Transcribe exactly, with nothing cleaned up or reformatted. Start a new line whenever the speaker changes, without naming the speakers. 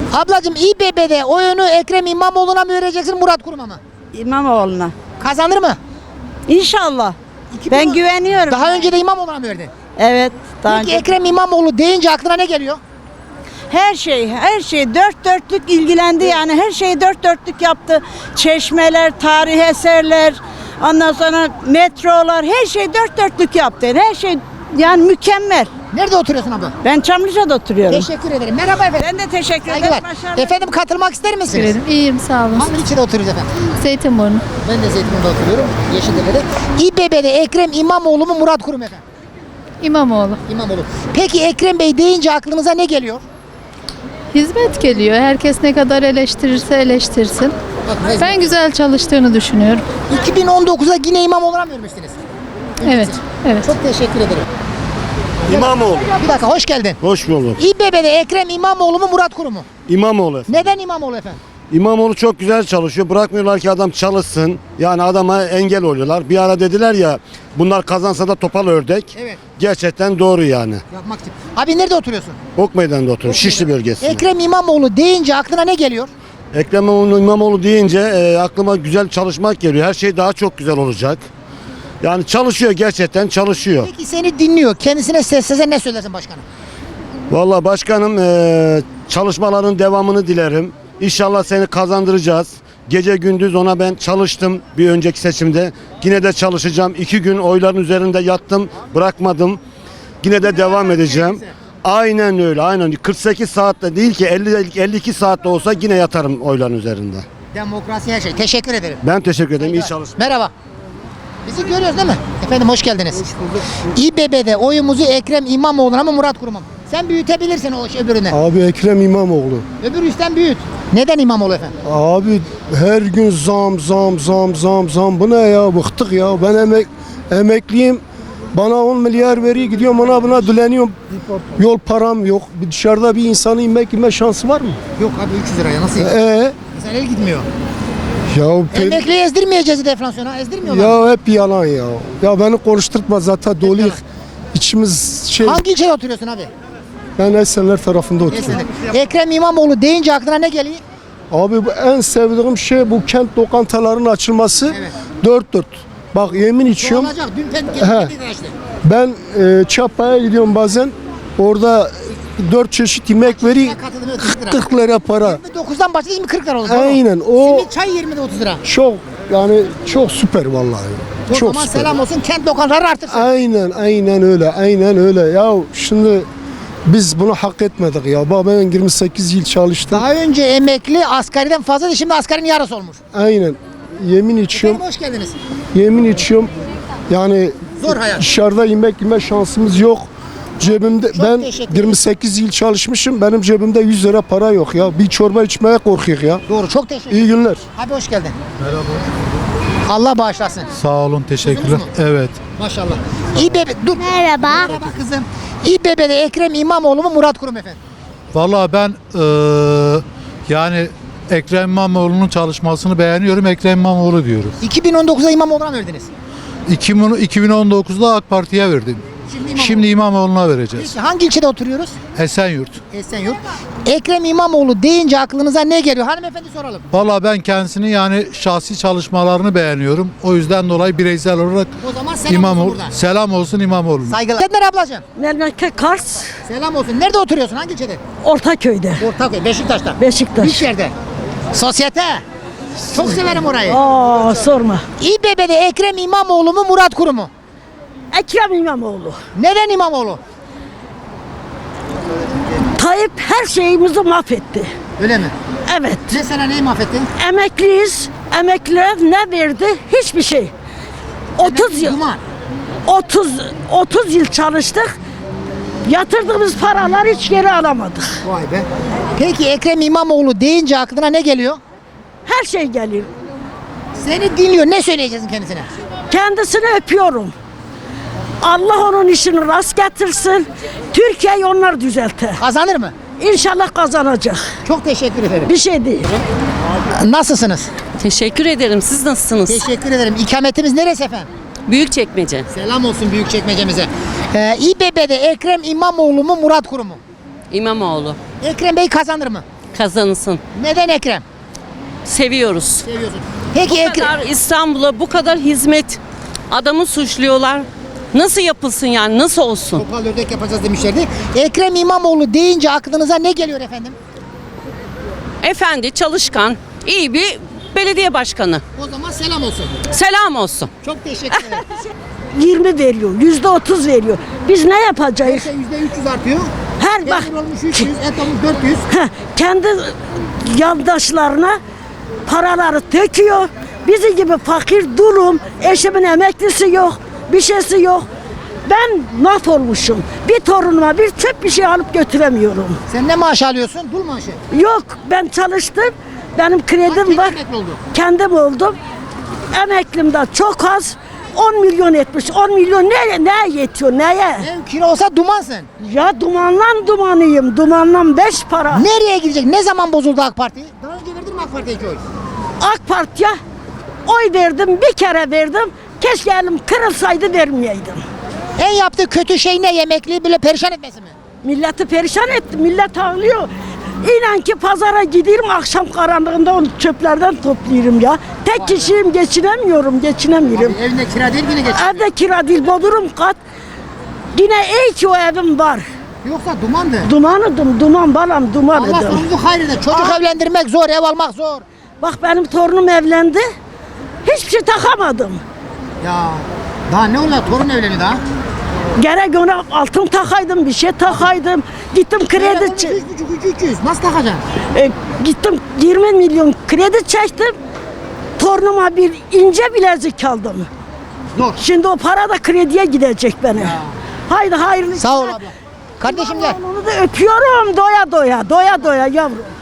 Ablacığım İBB'de oyunu Ekrem İmamoğlu'na mı vereceksin, Murat Kurum'a mı?
İmamoğlu'na.
Kazanır mı?
İnşallah.
iki bin
Ben
on
güveniyorum.
Daha önce de İmamoğlu'na mı verdin?
Evet. Daha
Peki
önce.
Ekrem İmamoğlu deyince aklına ne geliyor?
Her şey, her şey dört dörtlük ilgilendi yani. Her şeyi dört dörtlük yaptı. Çeşmeler, tarihi eserler, ondan sonra metrolar, her şey dört dörtlük yaptı. Her şey yani mükemmel.
Nerede oturuyorsun abla?
Ben Çamlıca'da oturuyorum.
Teşekkür ederim. Merhaba efendim.
Ben de teşekkür ederim.
Saygılar.
Başarılar.
Efendim katılmak ister misiniz?
Teşekkür ederim. İyiyim, sağ olun.
Hangi ilçede oturuyoruz efendim?
Zeytinburnu.
Ben de Zeytinburnu'da oturuyorum. Yeşiltepe'de. İBB'de Ekrem İmamoğlu mu, Murat Kurum efendim?
İmamoğlu.
İmamoğlu. Peki Ekrem Bey deyince aklınıza ne geliyor?
Hizmet geliyor. Herkes ne kadar eleştirirse eleştirsin.
Ben...
Ben güzel çalıştığını düşünüyorum.
iki bin on dokuzda yine İmamoğlu'na mı vermiştiniz?
Evet, evet.
Çok teşekkür ederim.
İmamoğlu.
Bir dakika, hoş geldin.
Hoş bulduk.
İBB'de Ekrem İmamoğlu mu, Murat Kurum mu?
İmamoğlu.
Neden İmamoğlu efendim?
İmamoğlu çok güzel çalışıyor. Bırakmıyorlar ki adam çalışsın. Yani adama engel oluyorlar. Bir ara dediler ya bunlar kazansa da topal ördek.
Evet.
Gerçekten doğru yani.
Yapmak için. Abi nerede oturuyorsun?
Ok Meydanı'nda oturuyor. Şişli bölgesinde.
Ekrem İmamoğlu deyince aklına ne geliyor?
Ekrem İmamoğlu deyince e, aklıma güzel çalışmak geliyor. Her şey daha çok güzel olacak. Yani çalışıyor, gerçekten çalışıyor.
Peki seni dinliyor. Kendisine seslese ne söylersin başkanım?
Vallahi başkanım e, çalışmaların devamını dilerim. İnşallah seni kazandıracağız. Gece gündüz ona ben çalıştım bir önceki seçimde. Yine de çalışacağım. İki gün oyların üzerinde yattım, bırakmadım. Yine de devam edeceğim. Aynen öyle, aynen. kırk sekiz saatte değil ki elli elli iki saatte olsa yine yatarım oyların üzerinde.
Demokrasi her şey. Teşekkür ederim.
Ben teşekkür ederim. İyi çalışmalar.
Merhaba. Bizi görüyoruz değil mi? Efendim hoş geldiniz. Hoş bulduk. İBB'de oyumuzu Ekrem İmamoğlu'na mı, Murat Kurum'a mı? Sen büyütebilirsin o öbürüne.
Abi Ekrem İmamoğlu.
Öbür üstten büyüt. Neden İmamoğlu efendim?
Abi her gün zam zam zam zam zam. Bu ne ya? Bıktık ya. Ben emek emekliyim. Bana on milyar veriyor, gidiyorum ona buna dileniyorum. Yol param yok. Bir dışarıda bir insanın yemek yeme şansı var mı?
Yok abi üç yüz liraya nasıl?
Ee,
Sen el gitmiyor.
ya pe-
Emekliye ezdirmeyeceğiz deflasyona. Ezdirmiyorlar.
ya hep yalan ya. Ya beni konuşturtma zaten dolu. İçimiz şey.
Hangi ilçede oturuyorsun abi?
Ben Esenler tarafında oturuyorum.
Esenler. Ekrem İmamoğlu deyince aklına ne geliyor?
Abi bu en sevdiğim şey bu kent lokantalarının açılması.
Evet.
Dört dört. Bak yemin içiyorum.
Olacak. Dün pen
He.
işte.
Ben e, Çapa'ya gidiyorum bazen. Orada dört çeşit yemek veri
Katılımı kırk lira.
kırk lira para.
yirmi dokuzdan başladı yirmi kırk lira oldu. doğru.
Aynen o
Simit çay yirmide otuz lira.
çok yani çok süper vallahi.
O
Çok
zaman
süper.
selam olsun kent lokantaları artırsın.
Aynen aynen öyle aynen öyle. Ya şimdi biz bunu hak etmedik ya. Bak ben yirmi sekiz yıl çalıştım.
Daha önce emekli asgariden fazlaydı, şimdi asgarinin yarısı olmuş.
Aynen. Yemin içiyorum.
Efendim hoş geldiniz.
Yemin içiyorum. Yani
Zor hayat.
dışarıda yemek yeme şansımız yok. Cebimde
Çok
ben
teşekkür ederim.
yirmi sekiz yıl çalışmışım. Benim cebimde yüz lira para yok ya. Bir çorba içmeye korkuyor ya.
Doğru, çok teşekkür
İyi günler.
Abi hoş geldin. Merhaba. Allah bağışlasın.
Sağ olun, teşekkürler.
Duydunuz mu?
Evet.
Maşallah. İBB, dur.
Merhaba.
Merhaba kızım. İBB'de Ekrem İmamoğlu mu, Murat Kurum efendim?
Vallahi ben eee, yani Ekrem İmamoğlu'nun çalışmasını beğeniyorum. Ekrem İmamoğlu diyoruz.
iki bin on dokuzda İmamoğlu'na mı verdiniz?
iki bin on dokuzda AK Parti'ye verdim.
Şimdi İmamoğlu.
Şimdi İmamoğlu'na vereceğiz.
Peki hangi ilçede oturuyoruz?
Esenyurt.
Esenyurt. Ekrem İmamoğlu deyince aklınıza ne geliyor? Hanımefendi soralım.
Vallahi ben kendisini yani şahsi çalışmalarını beğeniyorum. O yüzden dolayı bireysel olarak
O zaman selam olsun
İmamoğlu,
buradan.
selam olsun İmamoğlu'na.
Saygılar. Sen nereye ablacığım?
Memleket Kars,
Selam olsun. Nerede oturuyorsun? Hangi ilçede?
Ortaköy'de.
Ortaköy, Beşiktaş'ta.
Beşiktaş.
Büyükşehir'de. Sosyete. Çok severim orayı.
Aa sorma.
İBB'de Ekrem İmamoğlu mu, Murat Kurum mu?
Ekrem İmamoğlu.
Neden İmamoğlu?
Tayyip her şeyimizi mahvetti.
Öyle mi?
Evet.
Mesela neyi mahvettin?
Emekliyiz. Emekliler ne verdi? Hiçbir şey. otuz yıl.
Duman.
otuz otuz yıl çalıştık. Yatırdığımız paralar hiç geri alamadık.
Vay be. Peki Ekrem İmamoğlu deyince aklına ne geliyor?
Her şey geliyor.
Seni dinliyor. Ne söyleyeceksin kendisine?
Kendisini öpüyorum. Allah onun işini rast getirsin. Türkiye'yi onlar düzeltir.
Kazanır mı?
İnşallah kazanacak.
Çok teşekkür ederim.
Bir şey değil.
Nasılsınız?
Teşekkür ederim. Siz nasılsınız?
Teşekkür ederim. İkametimiz neresi efendim?
Büyükçekmece.
Selam olsun Büyükçekmece'mize. Ee, İBB'de Ekrem İmamoğlu mu, Murat Kurum mu?
İmamoğlu.
Ekrem Bey kazanır mı?
Kazansın.
Neden Ekrem?
Seviyoruz.
Seviyorsun. Peki
Bu
Ekrem.
kadar İstanbul'a bu kadar hizmet. Adamı suçluyorlar. Nasıl yapılsın yani? Nasıl olsun?
Topal ördek yapacağız demişlerdi. Ekrem İmamoğlu deyince aklınıza ne geliyor efendim?
Efendi, çalışkan, iyi bir belediye başkanı.
O zaman selam olsun.
Selam olsun.
Çok teşekkür ederim.
yirmi veriyor, yüzde otuz veriyor. Biz ne yapacağız?
Neyse yüzde üç yüz artıyor.
Her bak
Peynir olmuş üç yüz, et olmuş dört yüz.
heh, kendi yandaşlarına paraları döküyor. Bizi gibi fakir durum, eşimin emeklisi yok, bir şeysi yok. Ben mahvolmuşum. Bir torunuma bir çöp bir şey alıp götüremiyorum.
Sen ne maaş alıyorsun? Dul maaşı.
Yok, ben çalıştım. Benim kredim
Kim
var.
emekli oldu?
Kendim oldum. Emeklim de çok az. on milyon etmiş. on milyon ne, ne yetiyor, neye?
Ev kira olsa dumansın.
Ya dumanlan dumanıyım. Dumanlan beş para.
Nereye gidecek? Ne zaman bozuldu AK Parti? Daha önce verdin mi AK Parti'ye iki oy?
AK Parti'ye oy verdim, bir kere verdim. Keşke elim kırılsaydı vermeyeydim.
En yaptığı kötü şey ne? Yemekliği böyle perişan etmesi mi?
Milleti perişan etti, millet ağlıyor. İnan ki pazara gidiyorum, akşam karanlığında onu çöplerden topluyorum ya. Tek kişiyim, geçinemiyorum, geçinemiyorum.
Abi evinde kira değil yine geç.
Evde kira değil, bodrum kat. Yine iyi ki o evim var.
Yoksa dumandı.
Dumanıdım, duman balam,
Allah
dumanıdım.
sonumuzu hayırlı. Çocuk evlendirmek zor, ev almak zor.
Bak benim torunum evlendi. Hiçbir şey takamadım.
Ya daha ne olacak? Torun evleniyor daha.
Gerek ona altın takaydım, bir şey takaydım. Gittim kredi
Kredi
çek.
üç buçuk üç üç yüz. Nasıl takacaksın?
E, gittim yirmi milyon kredi çektim. Torunuma bir ince bilezik aldım.
Zor.
Şimdi o para da krediye gidecek bana. Haydi hayırlı.
Sağ ol abla. Kardeşim gel.
Onu da öpüyorum doya doya, doya doya yavrum.